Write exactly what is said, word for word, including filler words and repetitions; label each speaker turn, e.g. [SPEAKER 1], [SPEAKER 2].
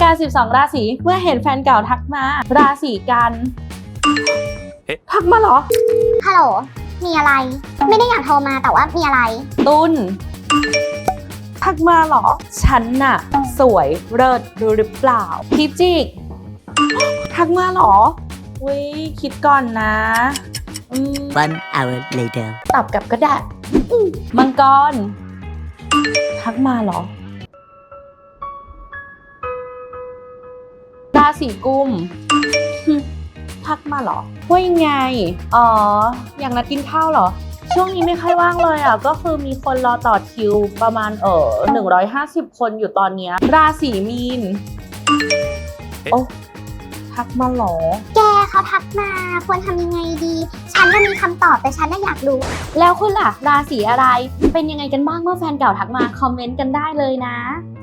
[SPEAKER 1] สิบสองราศีเมื่อเห็นแฟนเก่าทักมาราศีกันทักมาเหรอ
[SPEAKER 2] ฮัลโหลมีอะไรไม่ได้อยากโทรมาแต่ว่ามีอะไร
[SPEAKER 1] ตุลทักมาเหรอฉันน่ะสวยเลิศรู้หรือเปล่าพิจิกทักมาเหรออุ้ยคิดก่อนนะอืม
[SPEAKER 3] One hour later
[SPEAKER 1] ตอบกลับก็ได้มังกรทักมาเหรอราศีกุมทักมาเหรอว่ายังไงอ๋ออยากนัดกินข้าวเหรอช่วงนี้ไม่ค่อยว่างเลยอ่ะก็คือมีคนรอต่อคิวประมาณเออหนึ่งร้อยห้าสิบคนอยู่ตอนเนี้ยราศีมีนโอ้ทักมาเหรอ
[SPEAKER 2] แกเขาทักมาควรทำยังไงดีฉันน่ะมีคำตอบแต่ฉันน่ะอยากรู้
[SPEAKER 1] แล้วคุณล่ะราศีอะไรเป็นยังไงกันบ้างเมื่อแฟนเก่าทักมาคอมเมนต์กันได้เลยนะ